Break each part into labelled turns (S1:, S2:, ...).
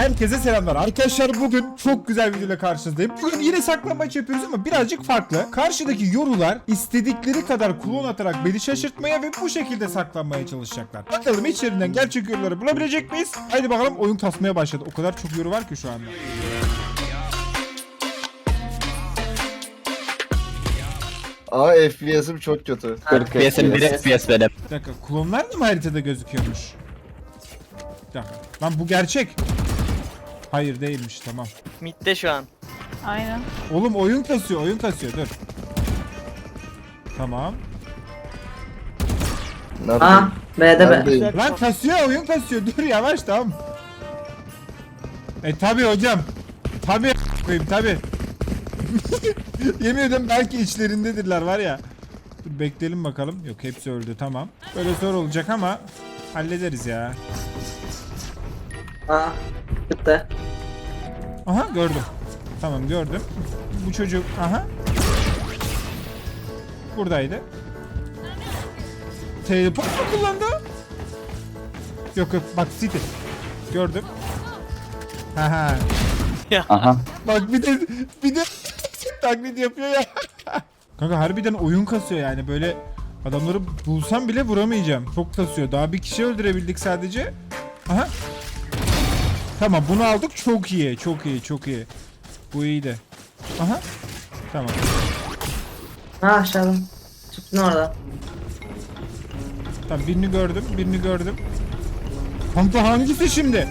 S1: Herkese selamlar. Arkadaşlar bugün çok güzel bir videoyla karşınızdayım. Bugün yine saklambaç yapıyoruz ama birazcık farklı. Karşıdaki yorular istedikleri kadar klon atarak beni şaşırtmaya ve bu şekilde saklanmaya çalışacaklar. Bakalım içlerinden gerçek yoruları bulabilecek miyiz? Haydi bakalım, oyun kasmaya başladı. O kadar çok yoru var ki şu anda.
S2: Aa FPS'im çok kötü. 40
S3: FPS'im 1 FPS benim.
S1: Bir dakika, klonlar da mı haritada gözüküyormuş? Bir dakika. Lan bu gerçek. Hayır değilmiş, tamam.
S4: Mid'de şu an.
S5: Aynen.
S1: Oğlum oyun kasıyor, oyun kasıyor, dur. Tamam.
S2: Nerede?
S5: Aa, B'de B.
S2: Neredeyim?
S1: Lan kasıyor, oyun kasıyor, dur yavaş, tamam. Tabi hocam. Tabi koyayım, tabi. Yemin ederim belki içlerindedirler var ya. Dur bekleyelim bakalım. Yok, hepsi öldü, tamam. Böyle zor olacak ama hallederiz ya.
S5: Aa, gitti.
S1: Aha, gördüm. Tamam, gördüm. Bu çocuk, aha. Buradaydı. Teleport mu kullandı? Yok yok, bak City. Gördüm. Haha.
S3: Aha.
S1: Bak bir de taklit yapıyor ya. Kanka harbiden oyun kasıyor yani, böyle adamları bulsam bile vuramayacağım. Çok kasıyor. Daha bir kişi öldürebildik sadece. Aha. Tamam, bunu aldık. Çok iyi. Çok iyi. Çok iyi. Bu iyiydi. Aha. Tamam.
S5: Ha aşağıda. Çıktın orada.
S1: Tamam, birini gördüm. Birini gördüm. Kanka hangisi şimdi?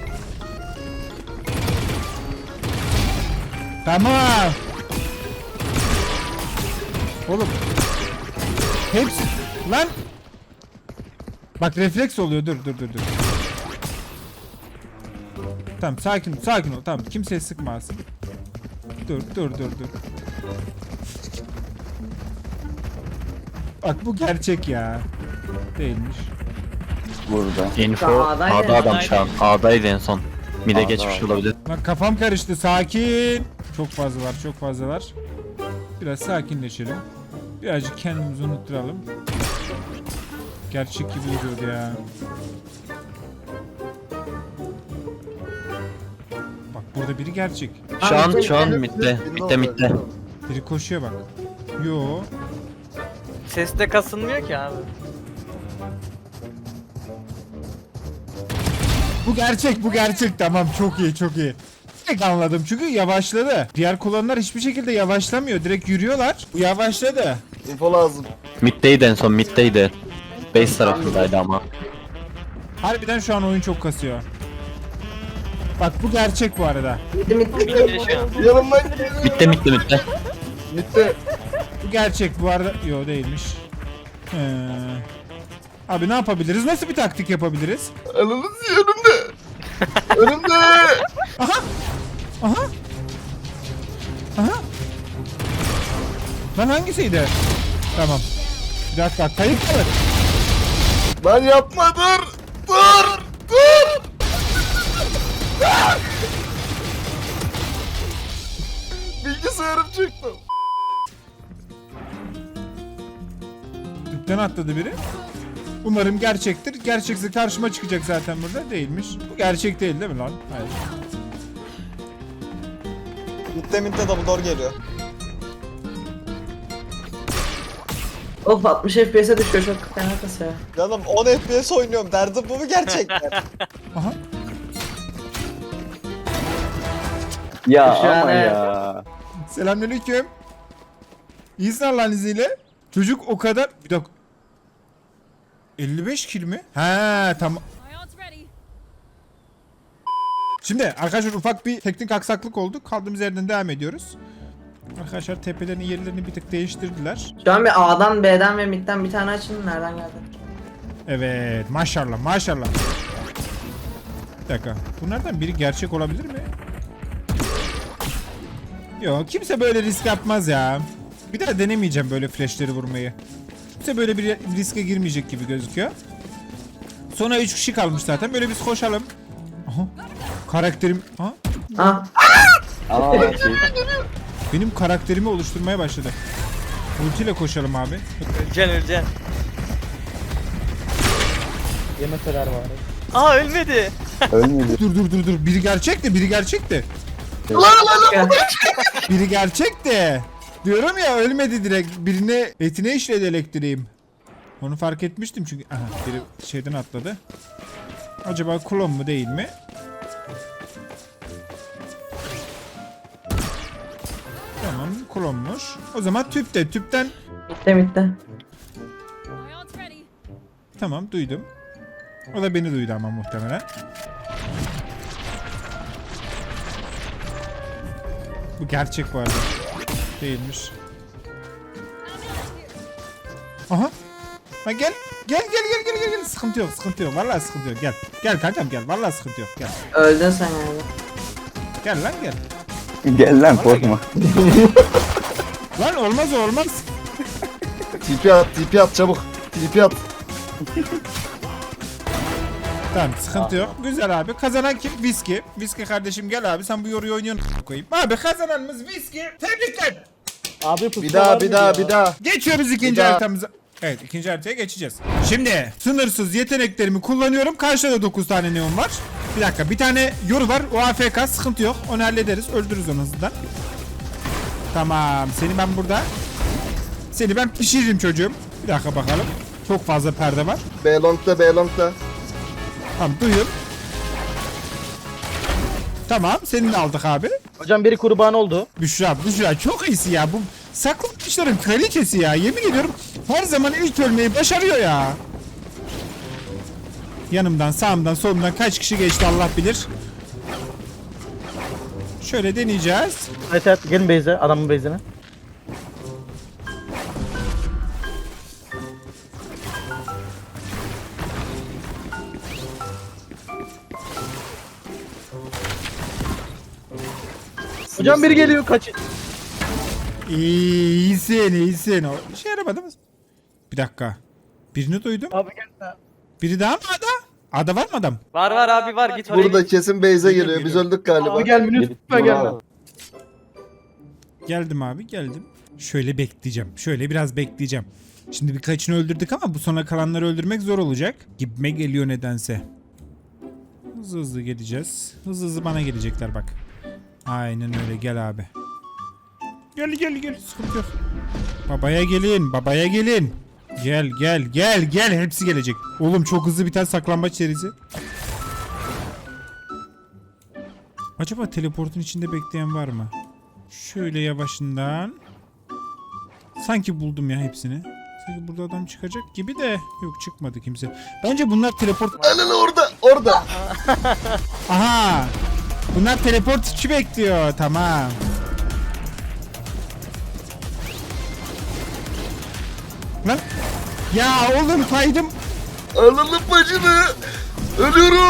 S1: Tamam. Oğlum. Hepsi. Lan. Bak refleks oluyor. Dur. Tamam, sakin ol. Tamam, kimseye sıkmasın. Dur. Bak bu gerçek ya. Değilmiş.
S3: Burada. Info
S5: A'daydı.
S3: A'da adam şu an. A'daydı en son. Mid'e geçmiş olabilir.
S1: Bak kafam karıştı. Sakin. Çok fazlalar. Biraz sakinleşelim. Birazcık kendimizi unutturalım. Gerçek gibi duruyordu ya. Bak burada biri gerçek.
S3: Şu an mid'de. Mid'de.
S1: Biri koşuyor bak. Yo.
S4: Seste kasılmıyor ki abi.
S1: Bu gerçek, tamam, çok iyi. Direkt anladım çünkü yavaşladı. Diğer kullananlar hiçbir şekilde yavaşlamıyor. Direkt yürüyorlar. Bu yavaşladı.
S2: Info lazım.
S3: Mid'deydi en son mid'deydi. Base tarafındaydı ama.
S1: Harbiden şu an oyun çok kasıyor. Bak bu gerçek bu arada.
S4: Mid'de şu an.
S2: Yanımdan gidiyor.
S3: Mid'de.
S2: Gitti.
S1: Bu gerçek bu arada. Yo değilmiş. Abi ne yapabiliriz? Nasıl bir taktik yapabiliriz?
S2: Ananız önümde. Önümde.
S1: Aha. Lan hangisiydi? Tamam. Bir dakika, kayıp kalır.
S2: Lan yapma, dur. Bilgisayarım çıktı.
S1: Tüpten atladı biri. Umarım gerçektir. Gerçekse karşıma çıkacak zaten burada. Değilmiş. Bu gerçek değil mi lan? Hayır.
S6: Mitte double door geliyor.
S5: Of 60 FPS'e düşüyor, çok fena kasıyor.
S6: Canım 10 FPS oynuyorum, derdim bu mu gerçekten?
S1: Aha.
S3: Ya
S5: Şu an
S3: ama
S5: evet.
S3: ya.
S1: Selamünaleyküm. İyisin Allah'ın izniyle. Çocuk o kadar... Bir dakika. 55 kill mi? He tamam. Şimdi arkadaşlar ufak bir teknik aksaklık oldu. Kaldığımız yerden devam ediyoruz. Arkadaşlar tepelerin yerlerini bir tık değiştirdiler.
S5: Şu an bir A'dan, B'den ve mid'den bir tane açın. Nereden geldi?
S1: Evet, maşallah. Bir dakika. Bunlardan biri gerçek olabilir mi? Yok, kimse böyle risk yapmaz ya. Bir daha denemeyeceğim böyle flashleri vurmayı. Kimse böyle bir riske girmeyecek gibi gözüküyor. Sonra 3 kişi kalmış zaten. Böyle biz koşalım. Aha. Karakterim... Ha?
S5: Aa,
S1: Benim karakterimi oluşturmaya başladı. Ultiyle koşalım abi.
S4: Öleceksin. Aa ölmedi.
S7: Ölmedi.
S1: Dur. Biri gerçekti, biri gerçekti. Biri gerçekti. Diyorum ya ölmedi direkt. Birine etine işledi elektriğim. Onu fark etmiştim çünkü. Aha biri şeyden atladı. Acaba klon mu değil mi? Tamam klonmuş. O zaman tüpte. Tüpten
S5: Mitte.
S1: tamam duydum. O da beni duydu ama muhtemelen. Bu gerçek bu arada. Değilmiş. Aha. Ha gel. Gel. Sıkıntı yok. Vallahi sıkıntı yok. Gel. Gel kankam gel. Vallahi sıkıntı yok. Gel.
S5: Öldün sen yani.
S1: Gel lan gel.
S7: Gel lan korkma.
S1: Lan olmaz.
S2: TP at çabuk. TP at.
S1: Tamam sıkıntı yok. Güzel abi. Kazanan kim? Viski. Viski kardeşim gel abi. Sen bu yoruyu oynuyorsun koyayım. Abi kazananımız Viski. Tebrikler.
S8: Abi
S2: Bir daha.
S1: Geçiyoruz ikinci
S2: Bir daha.
S1: haritamıza. Evet ikinci haritaya geçeceğiz. Şimdi sınırsız yeteneklerimi kullanıyorum. Karşıda da 9 tane neon var. Bir dakika bir tane yoru var. O AFK sıkıntı yok. Onu hallederiz. Öldürürüz onu hızlıdan. Tamam. Seni ben pişiririm çocuğum. Bir dakika bakalım. Çok fazla perde var.
S2: B long'da.
S1: Tamam duyun. Tamam seni de aldık abi.
S8: hocam biri kurban oldu.
S1: Büşra çok iyisi ya. Bu saklı kuşların kraliçesi ya. Yemin ediyorum her zaman ilk ölmeyi başarıyor ya. Yanımdan, sağımdan, solumdan kaç kişi geçti Allah bilir. Şöyle deneyeceğiz.
S8: Evet gelin base'e adamın base'ine. Hocam biri geliyor kaçın.
S1: İyisin. O işe yaramadı mı? Bir dakika. Birini duydum.
S8: Abi gel.
S1: Biri daha mı ada? Ada var mı adam?
S4: Var abi var git oraya.
S2: Burada kesin base'e geliyor. Biz öldük galiba.
S8: Abi gel minüt lütfen gelme.
S1: Geldim abi geldim. Şöyle bekleyeceğim. Şöyle biraz bekleyeceğim. Şimdi birkaçını öldürdük ama bu sona kalanları öldürmek zor olacak. Gibime geliyor nedense. Hızlı geleceğiz. Hızlı bana gelecekler bak. Aynen öyle gel abi. Gel sıkıntı yok. Babaya gelin. Gel hepsi gelecek. Oğlum çok hızlı biten saklambaç serisi. Acaba teleportun içinde bekleyen var mı? Şöyle yavaşından. Sanki buldum ya hepsini. Sanki burada adam çıkacak gibi de yok çıkmadı kimse. Bence bunlar teleport...
S2: Ananı orada.
S1: Aha! Bunlar teleport içi bekliyor. Tamam. Lan! Ya oğlum kaydım.
S2: Alalım bacını. Ölüyorum.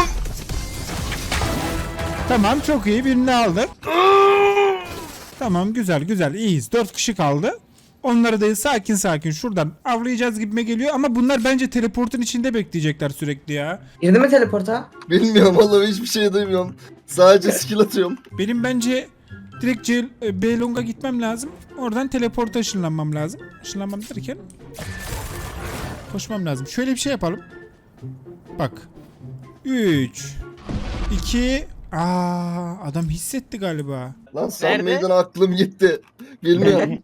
S1: Tamam çok iyi birini aldık. Tamam güzel iyiyiz. 4 kişi kaldı. Onları da sakin şuradan avlayacağız gibime geliyor ama bunlar bence teleportun içinde bekleyecekler sürekli ya.
S5: Girdi mi teleporta?
S2: Bilmiyorum vallahi hiçbir şey duymuyorum. Sadece skill atıyorum.
S1: Benim bence direkt Beylong'a gitmem lazım. Oradan teleporta ışınlanmam lazım. Işınlanmam derken koşmam lazım. Şöyle bir şey yapalım. Bak. 3 2 adam hissetti galiba.
S2: Lan sen
S4: Nerede?
S2: miydin aklım gitti. Bilmiyorum.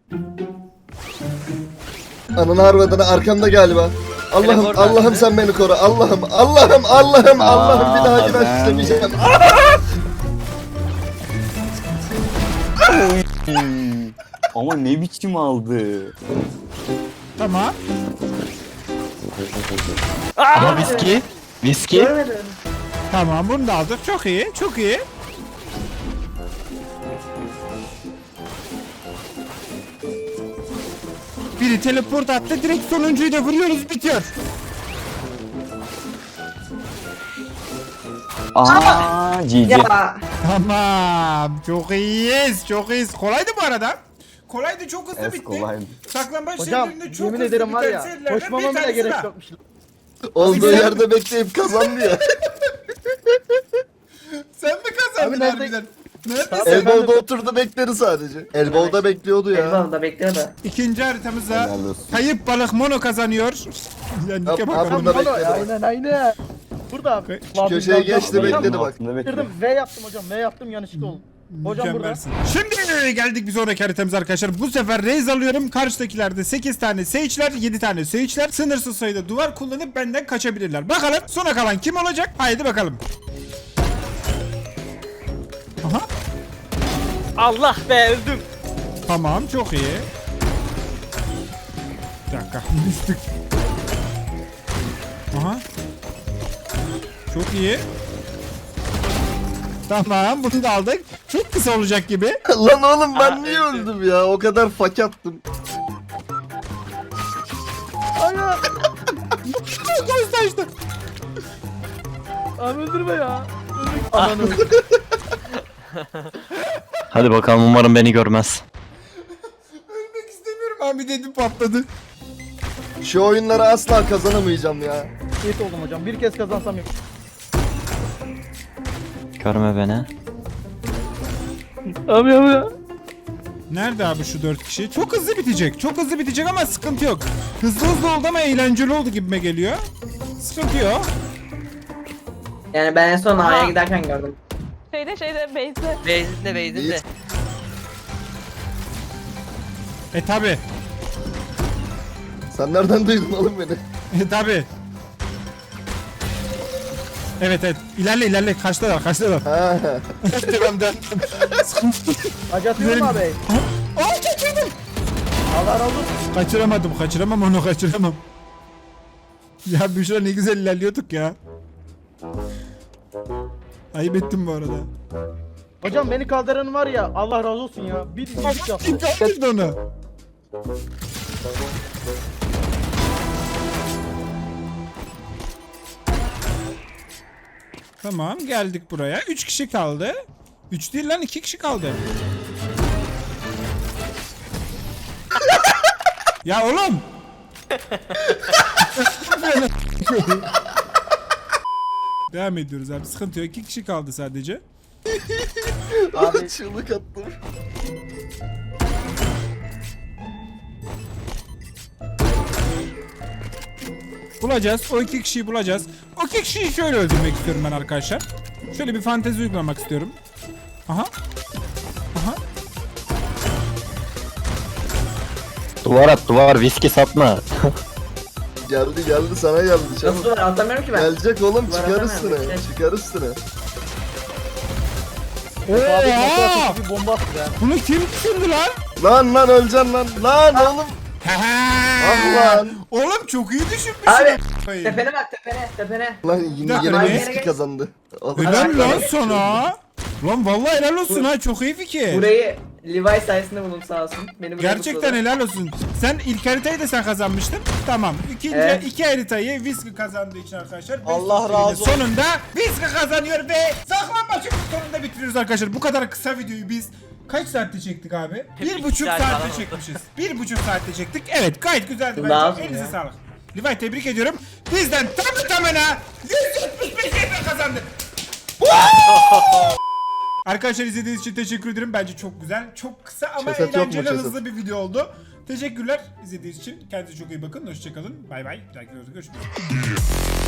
S2: Ananı harvadını arkamda galiba.
S4: Teleport
S2: Allah'ım
S4: attı.
S2: sen beni koru. Allah'ım bir daha günah işlemeyeceğim.
S7: Ama ne biçim aldı.
S1: Tamam.
S3: Ama viski.
S5: Görmedim.
S1: Tamam bunu da aldık. Çok iyi. Biri teleport attı. Direkt sonuncuyu da vuruyoruz. Bitiyor.
S7: GG.
S5: Ya
S1: Tamam. Çok iyiyiz. Kolaydı bu arada. Kolaydı çok hızlı
S7: Evet,
S1: bitti.
S7: kolaydı.
S1: Saklambaç
S8: Hocam
S1: serilerinde çok
S8: yemin
S1: hızlı
S8: ederim var
S1: biten
S8: ya
S1: serilerden
S8: koşmama
S1: bir
S8: bile
S1: tanesi
S8: gerek
S1: daha.
S8: yokmuş.
S2: Olduğu
S1: Güzel.
S2: yerde bekleyip kazandı ya.
S1: Sen mi kazandın
S8: Abi nerede-
S1: harbiden? Neredesin?
S2: Elbow'da oturdu bekledi sadece. Elbow'da bekliyordu ya.
S5: Elbam da bekliyor da.
S1: İkinci haritamızda
S7: Helal olsun.
S1: kayıp balık mono kazanıyor. Yani
S2: Yap,
S1: bakalım.
S2: Burada bekledi.
S8: Aynen. Burada abi.
S2: Köşeye geçti bekledi bak.
S7: Altında bekle.
S8: Bitirdim. V yaptım hocam. V yaptım yanlışlıkla oldu. Hocam burada.
S1: Mükemmelsin. Şimdi geldik bir sonraki haritamıza arkadaşlar. Bu sefer Raze alıyorum. Karşıdakilerde 8 tane Sage'ler, 7 tane Sage'ler. Sınırsız sayıda duvar kullanıp benden kaçabilirler. Bakalım sona kalan kim olacak? Haydi bakalım. Aha.
S4: Allah be öldüm.
S1: Tamam, çok iyi. Bir dakika. Düştük. Aha. Çok iyi. Tamam, bunu da aldık. Çok kısa olacak gibi.
S2: Lan oğlum ben
S4: Aa,
S2: niye
S4: öldü.
S2: öldüm ya? O kadar fak attım.
S8: Ana.
S1: Göz taştı.
S8: Abi öldürme ya. Ananı.
S3: Hadi bakalım, umarım beni görmez.
S1: Ölmek istemiyorum abi dedim, patladı.
S2: Şu oyunları asla kazanamayacağım ya.
S8: Şehit oldum hocam. Bir kez kazansam yok.
S3: Görme beni.
S8: Abi.
S1: Nerede abi şu 4 kişi? Çok hızlı bitecek. Çok hızlı bitecek ama sıkıntı yok. Hızlı oldu ama eğlenceli oldu gibime geliyor. Sıkıntı yok.
S5: Yani ben en son A'ya giderken gördüm.
S9: Şeyde base'de.
S4: Beyzinde.
S1: Tabi.
S2: Sen nereden duydun oğlum beni?
S1: Tabi. Evet. İlerle. Kaçtalar.
S2: Ha.
S1: Devam.
S8: Hacı atıyorum
S1: Güzelim.
S8: abi.
S1: Aa, kaçırdım.
S8: Allah razı olsun.
S1: Kaçıramam onu. Ya Büşra ne güzel ilerliyorduk ya. Ayıp ettim bu arada.
S8: Hocam beni kaldıran var ya Allah razı olsun ya. Bir iyilik yaptı.
S1: Kim kaldırdı onu? Tamam, geldik buraya. 3 kişi kaldı. 3 değil lan, 2 kişi kaldı. Ya oğlum. Devam ediyoruz abi, sıkıntı yok. 2 kişi kaldı sadece.
S2: Abi çığlık attım.
S1: Bulacağız. O 2 kişiyi bulacağız. O 2 kişiyi şöyle öldürmek istiyorum ben arkadaşlar. Şöyle bir fantezi uygulamak istiyorum. Aha.
S3: Duvar at, duvar, viski satma.
S2: Geldi sana geldi çabuk.
S5: Nasıl var atamıyorum ki ben.
S2: Gelecek oğlum,
S5: Var
S2: çıkar
S5: atamıyorum,
S2: üstüne.
S5: bekle.
S2: Çıkar üstüne.
S8: Abi
S1: Oha!
S8: nasıl bir bomba attı ya.
S1: Bunu kim düşündü lan?
S2: Lan öleceksin lan. Lan oğlum. Ah lan.
S1: Oğlum çok iyi düşünmüşsün.
S5: Abi,
S1: Abi.
S5: Tepene bak tepene.
S2: Lan
S1: Bir
S2: yine
S1: dakika, ne?
S2: viski kazandı. Oh.
S1: Helal lan sana. Lan vallahi helal olsun ha, çok iyi fikir.
S5: Burayı Levi sayesinde buldum sağ olsun. Beni buraya
S1: Gerçekten
S5: mutladı.
S1: helal olsun. Sen ilk haritayı da sen kazanmıştın. Tamam.
S5: Evet.
S1: İki haritayı Whiskey kazandığı için arkadaşlar.
S6: Allah
S1: Best of
S6: razı olsun.
S1: Sonunda Whiskey kazanıyor ve saklambaçın sonunda bitiriyoruz arkadaşlar. Bu kadar kısa videoyu biz kaç saatte çektik abi? 1,5
S4: saat
S1: saatte
S4: falan oldu.
S1: çekmişiz. 1,5 saatte çektik. Evet, gayet güzeldi
S5: Daha
S1: bence.
S5: az
S1: Elinize
S5: ya.
S1: sağlık. Levi, tebrik ediyorum. Bizden tamına 175 EP kazandık. Arkadaşlar izlediğiniz için teşekkür ederim. Bence çok güzel, çok kısa ama
S2: Ceset yok mu,
S1: eğlenceli,
S2: ceset?
S1: hızlı bir video oldu. Teşekkürler izlediğiniz için. Kendinize çok iyi bakın. Hoşçakalın. Bay bay. Bir dahaki videoda görüşmek üzere.